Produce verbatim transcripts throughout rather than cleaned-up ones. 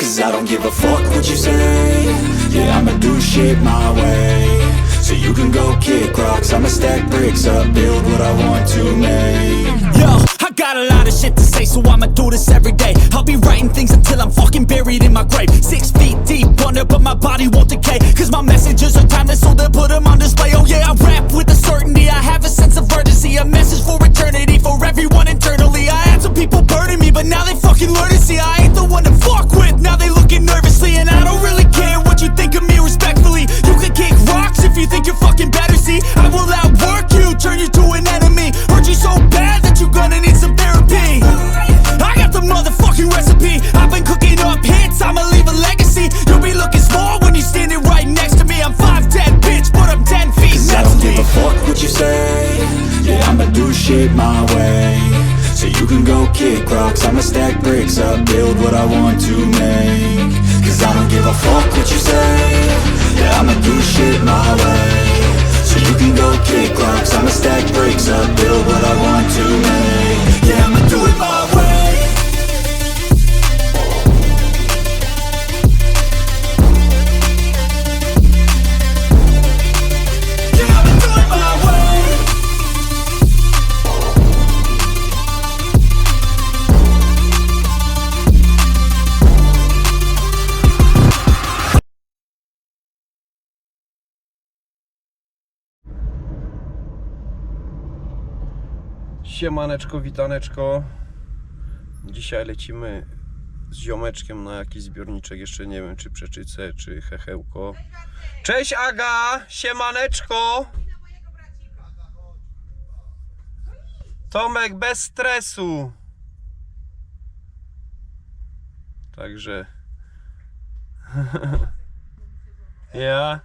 Cause I don't give a fuck what you say. Yeah, I'ma do shit my way. So you can go kick rocks, I'ma stack bricks up, build what I want to make. Yo, I got a lot of shit to say, so I'ma do this every day. I'll be writing things until I'm fucking buried in my grave. Six feet deep under, but my body won't decay. Cause my messages are timeless, so they'll put them on display. Oh yeah, I rap with a certainty, I have a sense of urgency. A message for eternity, for everyone internally. I had some people burning me, but now they fucking learn to see I ain't the one to fuck with, now they looking nervously. And I don't really care what you think of me respectfully. You can kick rocks if you think you're fucking better, see I will outwork you, turn you to an enemy. Hurt you so bad that you're gonna need some therapy. I got the motherfucking recipe, I've been cooking up hits, I'ma leave a legacy. You'll be looking small when you're standing right next to me. I'm five ten, bitch, but I'm ten feet. Cause I don't give a fuck what you say. Yeah, I'ma do shit my way. So you can go kick rocks, I'ma stack bricks up, build what I want to make. Cause I don't give a fuck what you say. Yeah, I'ma do shit my way. So you can go kick rocks, I'ma stack bricks up, build what I want to make. Yeah, I'ma do it my way. Yeah, I'ma do it my way. Siemaneczko, witaneczko. Dzisiaj lecimy z ziomeczkiem na jakiś zbiorniczek, jeszcze nie wiem czy Przeczycę, czy Hechełko. Cześć Aga! Siemaneczko! Tomek bez stresu. Także ja.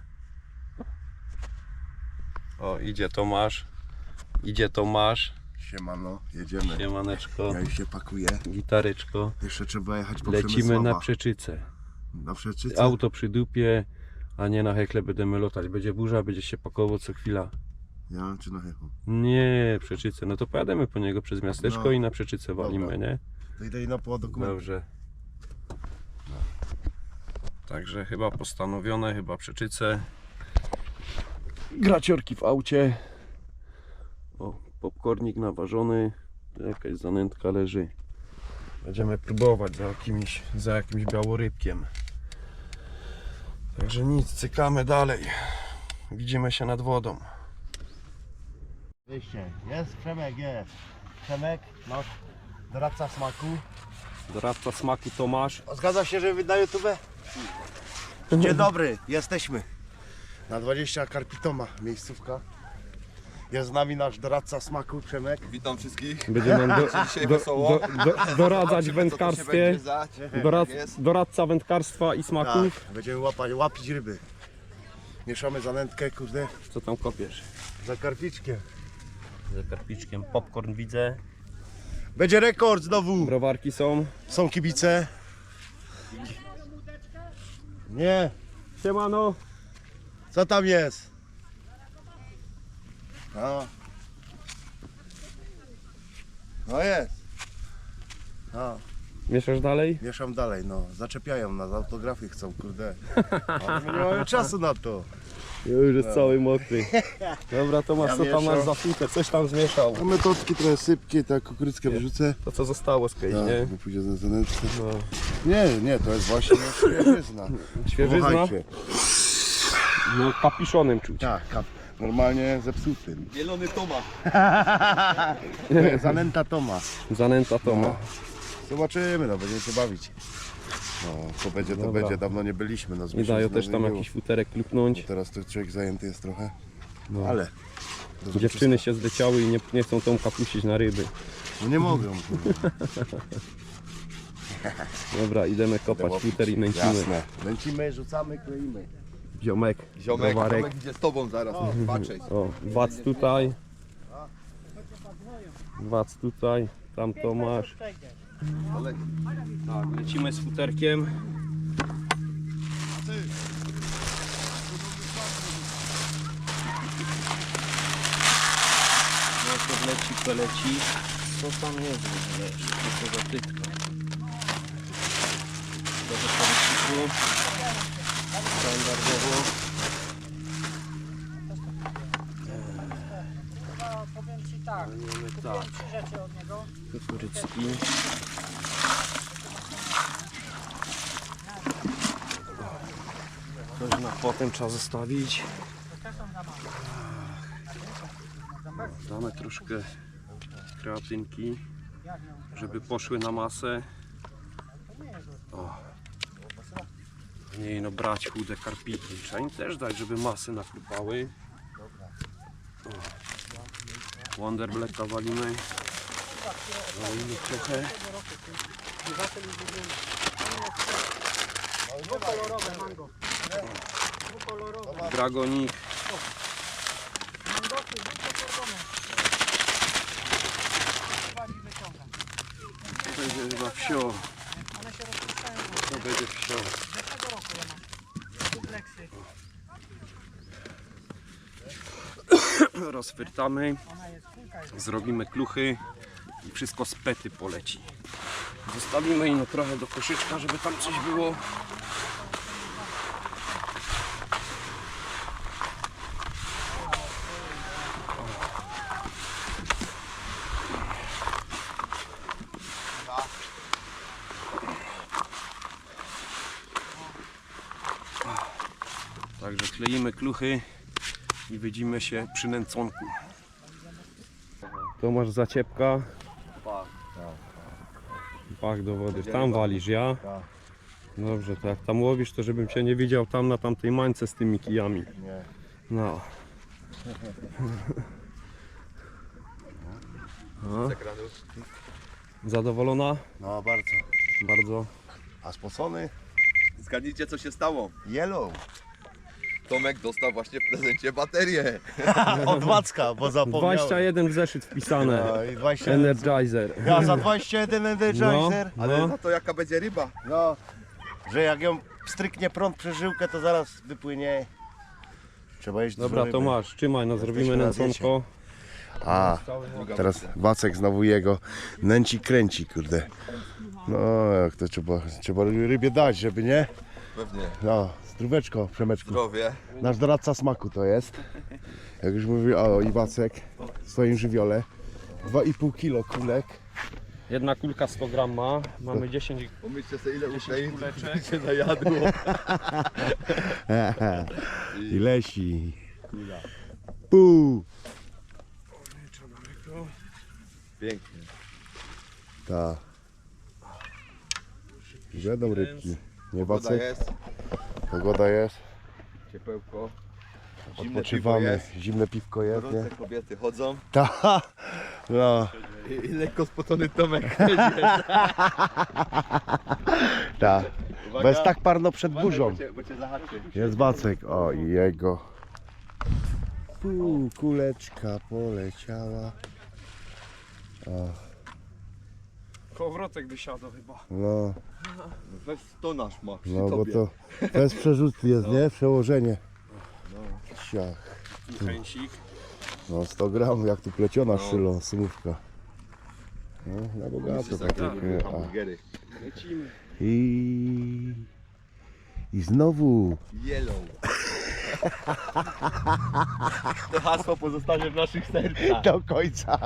O, idzie Tomasz. Idzie Tomasz. Siemano, jedziemy. Siemaneczko. Ja już się pakuję. Gitareczko. Jeszcze trzeba jechać po Lecimy Przemysława. na Przeczycę. Na Przeczycę? Auto przy dupie, a nie na hekle będziemy lotać. Będzie burza, będzie się pakował co chwila. Ja czy na hechu? Nie, Przeczycę. No to pojadę po niego przez miasteczko No. i na Przeczycę walimy, Dobra. nie? To idę i na poła dokumentu. Dobrze. No. Także chyba postanowione, chyba Przeczycę. Graciorki w aucie. O, popcornik naważony. Jakaś zanętka leży. Będziemy próbować za jakimś, za jakimś białorybkiem. Także nic, cykamy dalej. Widzimy się nad wodą. Wyjście. Jest Przemek, jest. Przemek, nasz doradca smaku. Doradca smaku Tomasz. Zgadza się, że na YouTube? Dzień dobry, jesteśmy. Na dwadzieścia Karpitoma, miejscówka. Jest z nami nasz doradca smaku Przemek. Witam wszystkich. Będzie nam do, Dzisiaj do, wesoło. do, do, doradzać w Zobaczymy, co tu się wędkarstwie. będzie zać. Dorad, Jest. doradca wędkarstwa i Tak, smaków. będziemy łapać, łapić ryby. Mieszamy zanętkę, kurde, Co tam kopiesz? za karpiczkiem. Za karpiczkiem popcorn widzę. Będzie rekord znowu. Browarki są. Są kibice. Nie. Siemano. Co tam jest? No. No jest. No. Mieszasz dalej? Mieszam dalej, no. Zaczepiają nas, autografy chcą, kurde. Ale my nie mamy czasu na to. Już jest cały mokry. Dobra Tomasz, Ja co tam mieszam. masz za flinkę? Coś tam zmieszał. No metodki trochę sypkie, tak kukurydzkę wyrzucę. To co zostało z kej, nie? Tak, bo pójdzie za zanętkę. No. Nie, nie, to jest właśnie świeżyzna. Świeżyzna? Powąchajcie. No kapiszonem czuć. Tak, kap. Normalnie zepsutym. Zielony Toma. To jest zanęta Toma. Zanęta Toma. No. Zobaczymy, no będziemy się bawić. No, to będzie, to Dobra. będzie, dawno nie byliśmy. No, z Nie dają miesiąc też nie tam było. jakiś futerek klupnąć. Bo teraz to człowiek zajęty jest trochę, No. ale... to Dziewczyny wszystko. się zleciały i nie, nie chcą Tomka puścić na ryby. No nie mogą. Dobra, idziemy kopać futer i nęcimy. Jasne. Nęcimy, rzucamy, kleimy. Ziomek, Ziomek, browarek. Tomek idzie z tobą zaraz. Patrzeć. O, wac tutaj. Wac tutaj. Tam Tomasz. Tak, lecimy z futerkiem. No to leci, to leci. Co tam jest w ogóle? Co to za tytka? Dobrze, tu. Standardowo. No, powiem Ci tak, Mamy kupiłem tak. trzy rzeczy od niego. Kukurycki. Coś na potem trzeba zostawić. Damy troszkę kreatynki, żeby poszły na masę. O. Nie no, brać chude karpiki. Trzeba im też dać, żeby masy naklupały. O. Wonder Blacka walimy. Walimy trochę. Dwukolorowe mango. Dwukolorowe. Dragonik. Mangosy dwukolorowe. Chyba nie wyciągam. To będzie chyba wsio. One się rozpuszczają. To będzie wsio. Z zeszłego roku ja mam. Dupleksy. Rozfyrtamy. Ona jest kulka. Jest. Zrobimy kluchy i wszystko z pety poleci. Zostawimy ino trochę do koszyczka, żeby tam coś było. Także kleimy kluchy i widzimy się przy nęconku. To masz zaciepka. Pach do wody. Tam walisz, ja? Dobrze, to jak tam łowisz, to żebym cię nie widział tam na tamtej mańce z tymi kijami. Nie. No. No. Zadowolona? No bardzo. Bardzo. A spocony? Zgadnijcie, co się stało. Yellow. Tomek dostał właśnie w prezencie baterię. Od Wacka, bo zapomniałem. dwadzieścia jeden w zeszyt wpisane. No i dwadzieścia jeden. Energizer. Ja za dwadzieścia jeden Energizer. No, Ale no. za to jaka będzie ryba? No, że jak ją stryknie prąd przez żyłkę, to zaraz wypłynie. Trzeba jeść dużo Dobra, to ryby. masz, trzymaj, no zrobimy Jesteśmy na nęconko. A, teraz Wacek znowu jego nęci kręci, kurde. No, jak to trzeba, trzeba rybie dać, żeby nie? Pewnie. No, zdróweczko, Przemeczku. Zdrowie. Nasz doradca smaku to jest. Jak już mówił, o i Wacek w swoim żywiole. dwa i pół kilo kulek. Jedna kulka sto gram ma, mamy dziesięć Pomyślcie sobie, ile kuleczek. Ukraińców się najadło. I lesi. Pół. Pięknie. Tak. Będą rybki. Nie Woda Wacek? jest, Pogoda jest. ciepełko. Zimne piwo Odpoczywamy. jest. Zimne piwko jest, nie? Gorące kobiety chodzą. Ta. No, I, i lekko spocony Tomek. ta. Bo jest tak parno przed Uważaj, burzą. Bo cię, bo cię zahaczy. Jest Wacek. O i jego. Pół kuleczka poleciała. O, Kołowrotek wysiadł chyba. no, Weź to nasz ma przy no bo tobie. to bez przerzutu jest, nie? Przełożenie. Siach. Chęsik. No sto gramów, jak tu pleciona szylą, sumówka. No, na bogato Tak, takie. tak, A. hamburgery. Lecimy. I... I znowu. Yellow. To hasło pozostanie w naszych sercach. Do końca.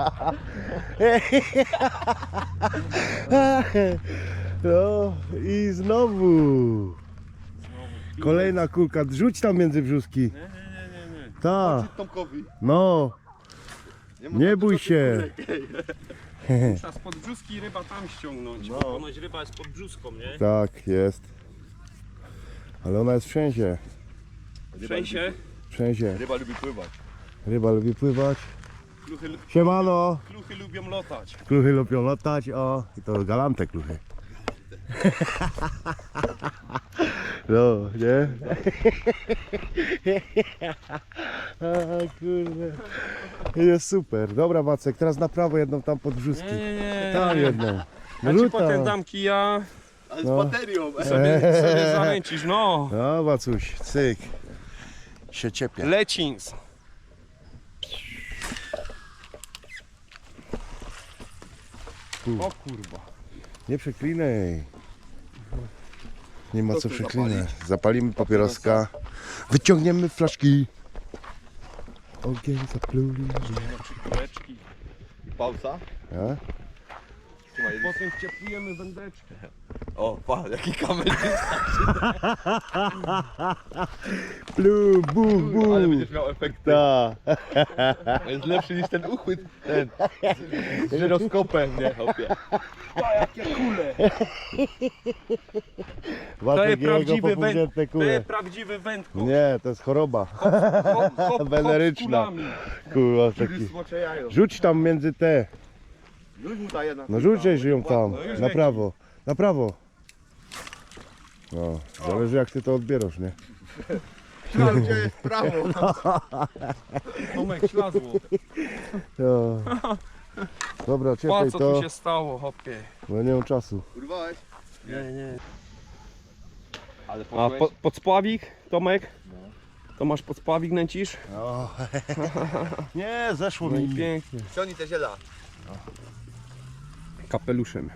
No i znowu. Kolejna kulka. Rzuć tam między brzuski. Nie, nie, nie, nie, nie. Tak. Tomkowi. No. ma Nie tam bój dużo się. Trzeba spod brzuski ryba tam ściągnąć. No. Bo ponoć ryba jest pod brzuską, nie? Tak, jest. Ale ona jest wszędzie. W sensie Wszędzie. Ryba lubi pływać. Ryba lubi pływać. kluchy, Siemano. kluchy lubią lotać. Kluchy lubią latać, o. I to galante kluchy. No, nie? A, kurde. Jest super. Dobra, Wacek, teraz na prawo jedną tam pod brzuski. Nie, nie, nie. Tam jedną. Ja ci Wróta. potem dam kija, Ale No. z baterią. sobie, sobie zaręcisz, no. No, Wacuś, cyk. Się ciepie. Lecins. O kurwa. Nie przeklinaj. Nie ma To co tu przeklinać. zapalić. Zapalimy papieroska. Wyciągniemy flaszki. Ogień zapluli. Kuleczki. I pauza. A? Trzymaj. Potem wcieplujemy wędeczkę. O, pa, jaki kamerzysta. Plu, bu, bu. Ale będziesz miał efekty. Ta. Jest lepszy niż ten uchwyt. Ten. Z żyroskopem, nie, chłopie. Wacek jego popugnięte To kule. jest prawdziwy wędko. Nie, to jest choroba. Hop, hop, hop, Weneryczna. z kulami. Kurwa, taki. Smocze jajo. Rzuć tam między te. Rzuć mu ta jedna. No rzućcie ją tam. No już Na leci. prawo. Na prawo. No, zależy jak ty to odbierasz, nie? Tam gdzie jest prawo. Tomek ślazło. No. Dobra, Pa, czekaj co to, tu się stało, hopie. bo nie mam czasu. Urwałeś? Nie, nie. Ale A poszłeś. po, podspławik, Tomek? To masz podspławik, nęcisz? No. Nie, zeszło No i mi. pięknie. Ciągnij te ziela. Kapeluszem.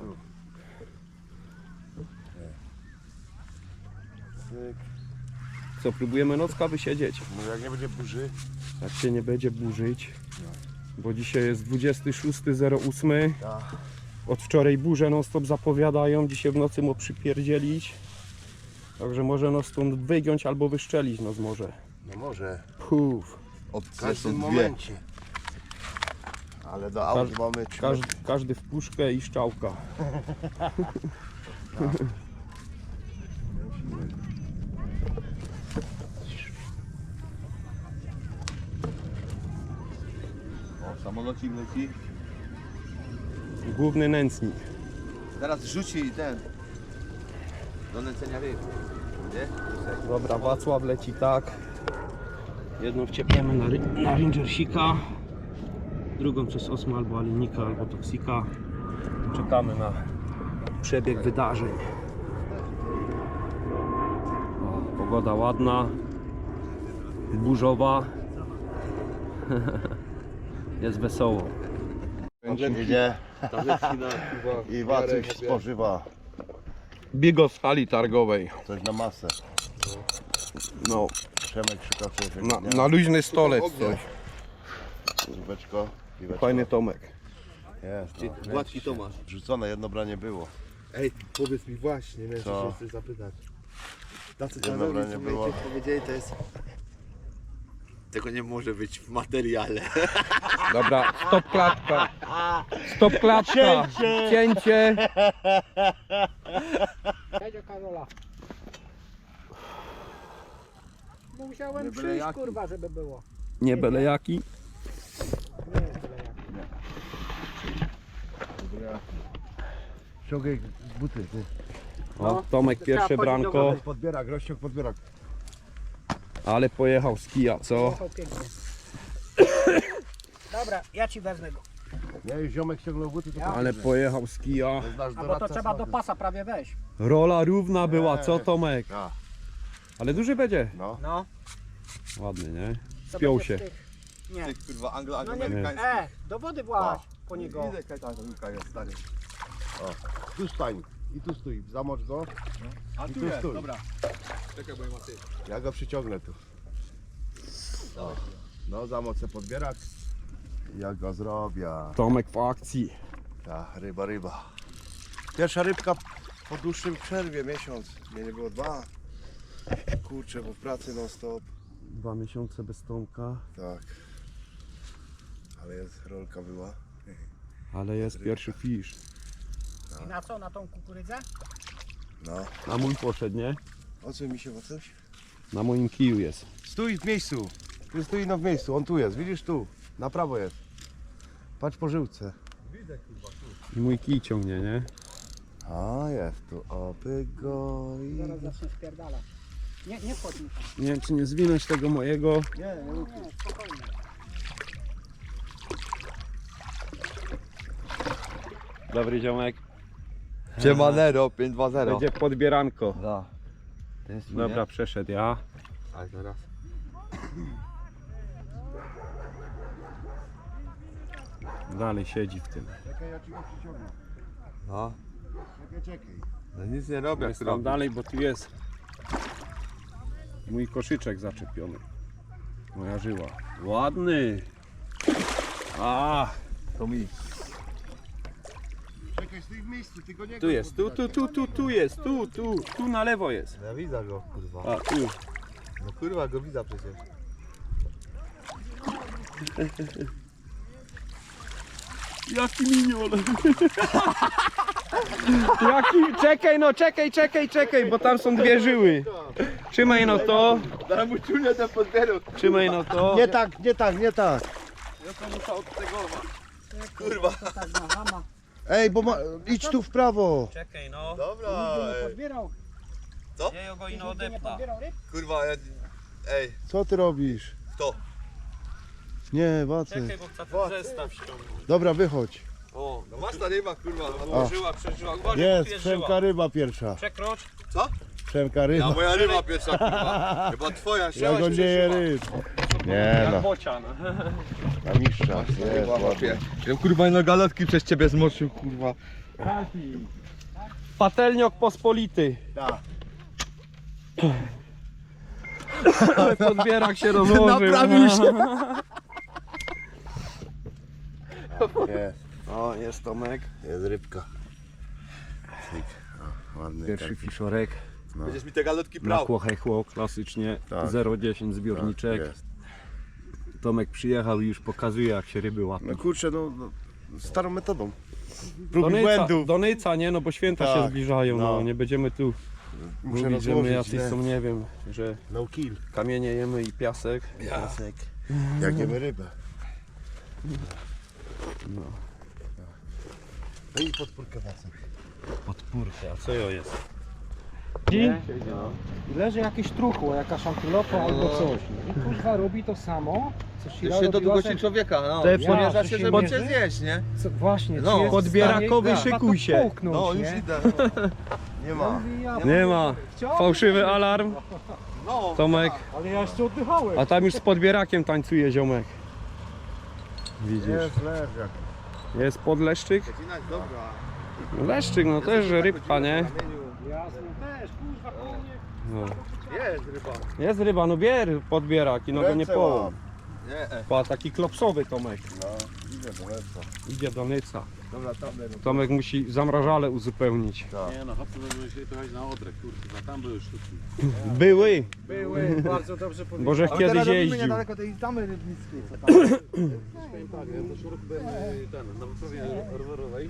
Co, próbujemy nocka wysiedzieć? No jak nie będzie burzy. Jak się nie będzie burzyć. Bo dzisiaj jest dwudziestego szóstego ósmego. Tak. Od wczoraj burze non stop zapowiadają. Dzisiaj w nocy mu przypierdzielić. Także może nas stąd wygiąć albo wyszczelić nas może. No może. Puf. W Opcje każdym są dwie. momencie. Ale do aut Każ- mamy trzy Każdy, każdy w puszkę i szczałka. O, samolocik leci. Główny nędznik. Teraz rzuci ten. Do nęcenia ryb. Nie? Dobra, Wacław leci tak. Jedną wciepniemy na, ry- na Rangersika, drugą przez Osmo albo Alinika, albo Toksika. Czekamy na przebieg wydarzeń. O, pogoda ładna, burzowa. Jest wesoło. Idzie Tabletki na chyba. i Wacek spożywa Bigos w hali targowej. coś na masę. No, Przemek szuka czegoś. na, nie? na luźny stolec coś. Żubeczko, piweczko. Fajny Tomek. Jest, no. Gładki Tomasz. Wrzucone, jedno branie było. Ej, powiedz mi właśnie, miałem Co? się chcesz zapytać. Tacy Jedno czarowni, branie co było. mi powiedzieli, to jest... Tego nie może być w materiale. Dobra, stop klatka. Stop klatka. Cięcie. Siedzie Karola. Musiałem Nie byle przyjść, jaki. kurwa, żeby było. Nie byle jaki. Nie jest byle jak. Ściągaj buty, ty. O, Tomek pierwsze Trzeba chodzić do branko, wody. Podbierak, rozciąg podbierak. ale pojechał z kija, co? Jechał pięknie. Dobra, ja ci wezmę go. Nie, już ziomek ściągnął buty, to Ale pojechał z kija. to jest nasz A bo to doradca trzeba do smaku. pasa prawie wejść. Rola równa była, co Tomek? Tak, Ale duży będzie. no. No. Ładny, nie? To Spiął będzie się. w tych- Nie. Ty kurwa No nie, anglo-amerykański. e, do wody właź po niego. Widzę jaka ta luka jest stary. Tu stań. I tu stój, zamocz go. A tu jest, stój. dobra. Czekaj, bo nie ma ty. Ja go przyciągnę tu. O. No, zamocę podbierak. Ja go zrobię. Tomek w akcji. Ta, ryba, ryba. Pierwsza rybka po dłuższym przerwie, miesiąc. Mnie nie było dwa. Kurczę, bo w pracy non stop. Dwa miesiące bez Tomka, Tak. Ale jest, rolka była. ale jest pierwszy fish. I na co? Na tą kukurydzę? No. Na mój poszedł, nie? O co mi się ma coś? Na moim kiju jest. Stój w miejscu. Tu stój no w miejscu, on tu jest, widzisz tu. Na prawo jest. Patrz po żyłce. I mój kij ciągnie, nie? A jest tu, opy go i... Zaraz zacznę spierdalać. Nie, nie wchodź mi tam. Nie wiem, czy nie zwinąć tego mojego. Nie, nie mów. Nie, spokojnie. Dobry ziomek. Siemanero, pięć dwa zero. Będzie podbieranko. Da. Ten jest Dobra, przeszedł ja. Ale teraz. Dalej siedzi w tym. Czekaj, ja ci go przyciągnę. No. Czekaj, czekaj. No nic nie robię, jak Jest tam robię. dalej, bo tu jest mój koszyczek zaczepiony. Moja żyła. Ładny. A, To mi. Czekaj, stój w miejscu, tylko nie tu jest, tu, tu, tu, tu, tu jest, tu, tu, tu na lewo jest. Ja widzę go, kurwa. A, tu. No kurwa, go widzę przecież. Jaki minion. Jaki, czekaj no, czekaj, czekaj, czekaj, bo tam są dwie żyły. Trzymaj no to, Daj mu ciunia ten podbierał. trzymaj no to. Nie tak, nie tak, nie tak. Ja to muszę odtegować. Kurwa. Tak na hama. Ej, bo ma... idź tu w prawo. Czekaj no, Dobra, Nigdy nie ej. podbierał. ja go ino Nigdy nie odepna. podbierał ryb. Kurwa, ja... Ej, Co ty robisz? kto? Nie, Wacek. Czekaj, bo chcę ten zestaw ściągnąć. Dobra, wychodź. O, no masz ta ryba, kurwa. No, O. Żyła, przeżyła. Uważaj, Jest, tu jest Przemka żyła. ryba pierwsza. Przekrocz. Przemka Ja, ryba. moja ryba pierwsza, kurwa. Chyba twoja Ja się go nie je ryb. Nie no, Bocian. na mistrza. Jest, ładnie. Ja kurwa na galotki przez ciebie zmoczył, kurwa. Patelniok pospolity. Tak. Podbierak się rozłożył. Naprawił się. Jest, O, jest Tomek. jest rybka. Cyk. O, ładny Pierwszy karpik. fiszorek. Będziesz mi te galotki Na brał. chłochechło, klasycznie. Tak. zero dziesięć zbiorniczek. Tak, jest. Tomek przyjechał i już pokazuje, jak się ryby łapią. No kurczę, no, no starą metodą. Prób i Donyca, błędów. Donyca, nie? No bo święta Tak, się zbliżają, no. no. Nie będziemy tu Muszę mówić, że my rozłożyć, jacyś nie? są, nie wiem, że No kill. kamienie jemy i piasek. Piasek. Jak jemy rybę. No. No i podpórkę Wacek. Podpórka, a co jo jest? I leży jakieś truchło, jakaś antylopa albo coś. No i kurwa robi to samo, co Już Shira się do robiła długości ze- człowieka, no. Te Przymierza ja, się, że żeby się cię mierzy? zjeść, nie? Co, właśnie, No, czy jest podbierakowy, w stanie, szykuj tak, się. to połknąć, No, już nie? idę. Nie ma. Mówi, ja- Nie ma. Chciałem, Fałszywy alarm. No. Tomek. Ale ja jeszcze oddychałem. A tam już z podbierakiem tańcuje ziomek. Widzisz. Jest leżak. Jest podleszczyk. Zacinać, dobra. Leszczyk, no też rybka, nie? Jasne, też, kurwa, koło mnie. No. Jest ryba. Jest ryba, no bier podbierak i no go nie Ręce połam. łap. Nie, e. Pa, taki klopsowy Tomek. No, idę do lecza. Idzie do Nyca. Dobra, tam będę. Tomek musi zamrażale uzupełnić. Nie no, chłopcy będą musieli jechać na Odrę, kurwa, tam były sztuki. Były, Były, bardzo dobrze powiedziane. bo żech kiedyś jeździł. niedaleko tej tamy rybnickiej, co tam. Tak, ja też rok byłem y, ten, na wyprawie rowerowej.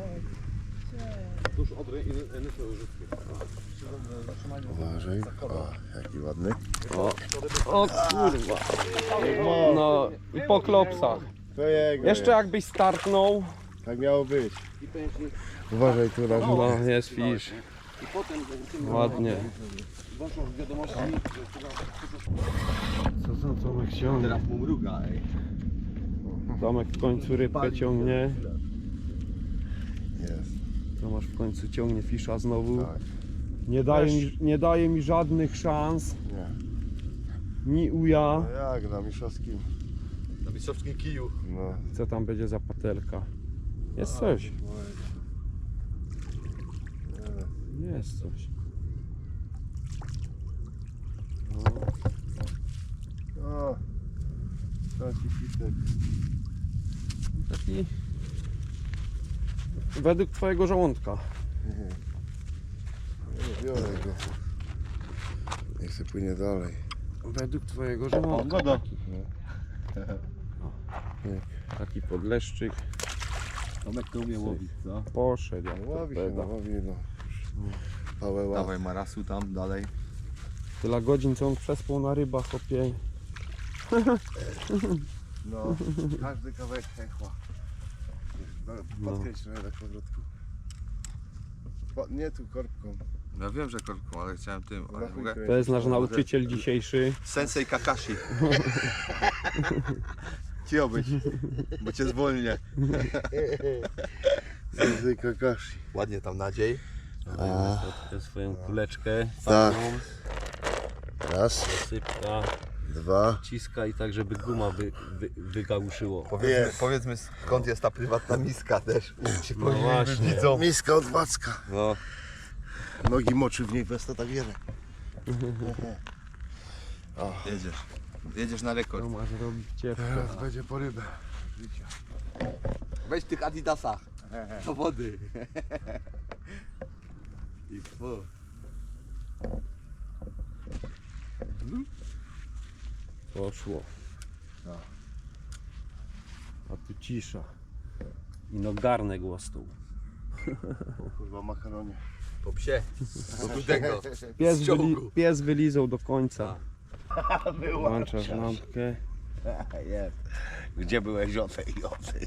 Tuż Odry i Nysły Łużyckie. Uważaj. O, jaki ładny. O kurwa. No i po klopsach. To jego Jeszcze jakbyś startnął. jest. Tak miało być. Uważaj tu na No jest fisz. I potem tym Ładnie. włączą w wiadomości, Co za Tomek ciągnie? Teraz mu mruga, ej. Tomek w końcu rybkę ciągnie. Jest. Tomasz w końcu ciągnie fisza znowu. Tak. Nie daje mi, nie daje mi żadnych szans. Nie. Ni uja. No jak na mistrzowskim. Na mistrzowskim kiju. No. Co tam będzie za patelka? Jest coś. Jest coś. O. Taki fitek. Taki według twojego żołądka. Nie biorę go. Niech się płynie dalej. Według twojego żołądka. Woda. Taki podleszczyk. Tomek to umie łowić, co? Poszedł jak Ławi się, no torpeda. ławi, no. Pałę ławi. Dawaj marasu tam, dalej. Tyle godzin co on przespał na rybach, opie. No, każdy kawałek hechła. No, podkręć trochę tak powrotku. Po, nie tu korbką. Ja wiem, że korką, ale chciałem tym, ale Na chuj mogę... kręć. To jest nasz nauczyciel dzisiejszy. Sensei Kakashi. Cicho być, bo cię zwolnię. Sensei Kakashi. Ładnie tam nadziej. Tę swoją kuleczkę. Tak. fajną, Raz. Sypka. Dwa. Ciskaj tak, żeby guma wy, wy, wygałuszyło. Powiedzmy, Jest. powiedzmy skąd jest ta prywatna miska też. Ci No powinni właśnie. widzą. Miska od Wacka. No. Nogi moczy w niej bez to tak wiele. Jedziesz. Jedziesz na rekord. To masz robić ciepło. Teraz będzie po rybę. Weź w tych adidasach. Do wody. I fu. Poszło. A tu cisza. I no garnek łastą. Kurwa makaronie. Po psie. Do rudego. Pies, Z ciągu. wyli, pies wylizał do końca. Włączasz lampkę. Jest. Gdzie byłeś o tej o tej?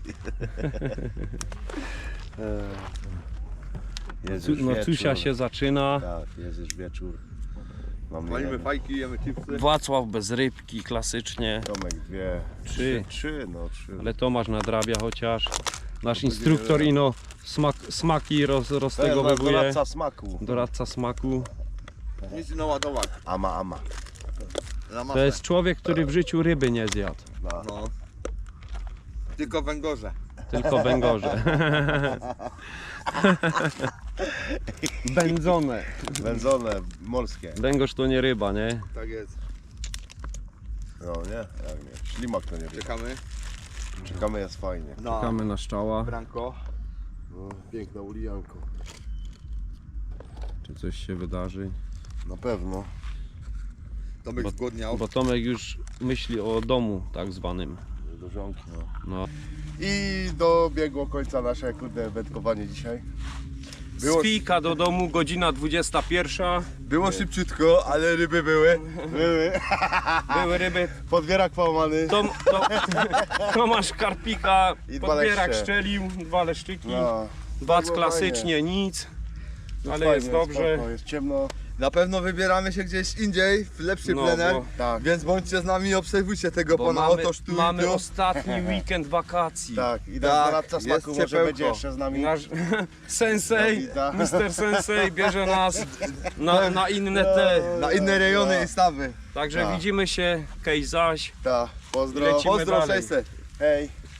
Jest Cu, już no wieczór. Cusia się zaczyna. Tak, jest już wieczór. Mamy Palimy jeden. fajki, jemy chipsy. Wacław bez rybki, klasycznie. Tomek dwie. Trzy. Trzy, no trzy. Ale Tomasz nadrabia chociaż. Nasz instruktor ino smak, smaki roz, To jest nasz roztegowywuje. doradca smaku. Doradca smaku. Nic naładować. Ama, ama. To jest człowiek, który w życiu ryby nie zjadł. No. Tylko węgorze. Tylko węgorze. Wędzone. Wędzone, morskie. Węgorz to nie ryba, nie? Tak jest. No nie, jak nie. Ślimak to nie wie. Czekamy. Czekamy, jest fajnie. Na Czekamy na szczała. branko. No, piękna ulijanko. Czy coś się wydarzy. Na pewno. Tomek Bo- zgłodniał. Bo Tomek już myśli o domu tak zwanym. Do żonki, no. No. I dobiegło końca nasze kurde wędkowanie dzisiaj. Było- Z fika do domu, godzina dwudziesta pierwsza. Było szybciutko, ale ryby były. Były. Były ryby. Podwierak połamany. Tom, to, Tomasz Karpika, I dwa podbierak leszcze. szczelił, dwa leszczyki. No, Bac było klasycznie, nic. Ale fajnie, jest dobrze. Spoko, jest ciemno. Na pewno wybieramy się gdzieś indziej, w lepszy No, plener. bo- Tak, Więc bądźcie z nami i obserwujcie tego Bo pana mamy, oto sztu. mamy ostatni weekend wakacji. tak. I Tak, nasz doradca jest smaku może ciepełko. będzie jeszcze z nami. Nasz sensei, Dawida. mister Sensei bierze nas na, na inne te. Na inne rejony Tak. i stawy. Także Tak. widzimy się, Kej zaś. Tak, pozdro. Lecimy Pozdro dalej. sześćset. Hej.